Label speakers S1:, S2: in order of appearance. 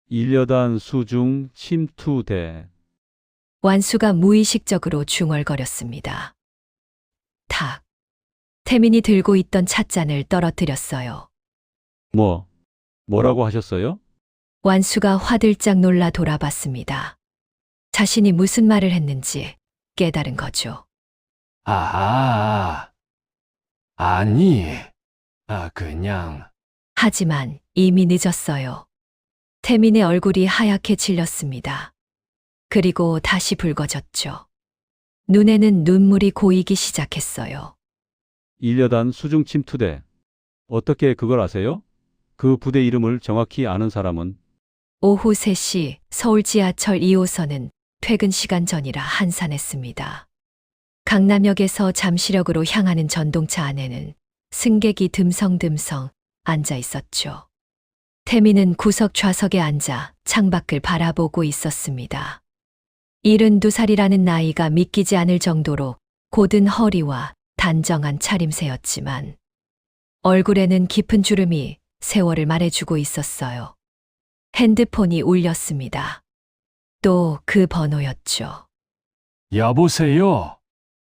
S1: 일여단 수중 침투대.
S2: 완수가 무의식적으로 중얼거렸습니다. 탁. 태민이 들고 있던 찻잔을 떨어뜨렸어요.
S1: 뭐라고 하셨어요?
S2: 완수가 화들짝 놀라 돌아봤습니다. 자신이 무슨 말을 했는지 깨달은 거죠.
S3: 아하, 아니, 그냥,
S2: 하지만 이미 늦었어요. 태민의 얼굴이 하얗게 질렸습니다. 그리고 다시 붉어졌죠. 눈에는 눈물이 고이기 시작했어요.
S1: 일여단 수중 침투대. 어떻게 그걸 아세요? 그 부대 이름을 정확히 아는 사람은?
S2: 오후 3시 서울 지하철 2호선은 퇴근 시간 전이라 한산했습니다. 강남역에서 잠시력으로 향하는 전동차 안에는 승객이 듬성듬성 앉아 있었죠. 태민은 구석 좌석에 앉아 창밖을 바라보고 있었습니다. 72살이라는 나이가 믿기지 않을 정도로 곧은 허리와 단정한 차림새였지만 얼굴에는 깊은 주름이 세월을 말해주고 있었어요. 핸드폰이 울렸습니다. 또 그 번호였죠.
S3: 여보세요?